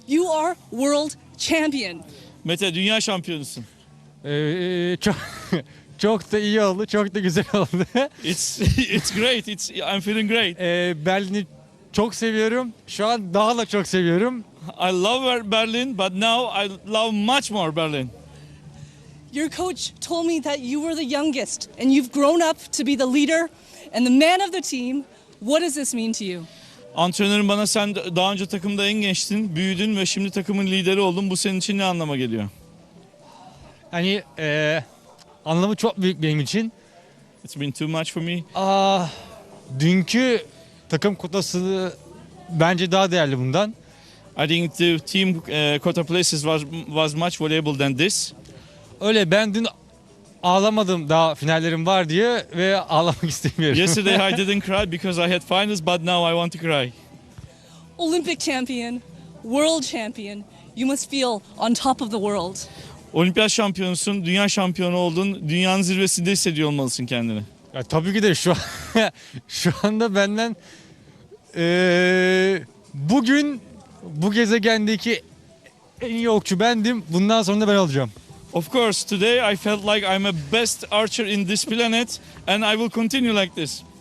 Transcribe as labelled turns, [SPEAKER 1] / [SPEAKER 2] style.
[SPEAKER 1] You are world champion.
[SPEAKER 2] Mete, dünya şampiyonusun.
[SPEAKER 3] Çok çok da iyi oldu, çok da güzel oldu.
[SPEAKER 2] It's great. I'm feeling great.
[SPEAKER 3] Berlin'i çok seviyorum. Şu an daha da çok seviyorum.
[SPEAKER 2] I love Berlin, but now I love much more Berlin.
[SPEAKER 1] Your coach told me that you were the youngest and you've grown up to be the leader and the man of the team. What does this mean to you?
[SPEAKER 2] Antrenörüm bana sen daha önce takımda en gençtin, büyüdün ve şimdi takımın lideri oldun. Bu senin için ne anlama geliyor?
[SPEAKER 3] Hani anlamı çok büyük benim için.
[SPEAKER 2] It's been too much for me.
[SPEAKER 3] Dünkü takım kutası bence daha değerli bundan.
[SPEAKER 2] I think the team quota places was much valuable than this.
[SPEAKER 3] Öyle ben dün ağlamadım daha finallerim var diye ve ağlamak istemiyorum.
[SPEAKER 2] Yesterday I didn't cry because I had finals, but now I want to cry.
[SPEAKER 1] Olympic champion, world champion. You must feel on top of the world.
[SPEAKER 2] Olimpiyat şampiyonusun, dünya şampiyonu oldun. Dünyanın zirvesinde hissediyor olmalısın kendini.
[SPEAKER 3] Ya, tabii ki de şu anda benden bugün bu gezegendeki en iyi okçu bendim. Bundan sonra da ben olacağım.
[SPEAKER 2] Of course, today I felt like I'm a best archer in this planet and I will continue like this.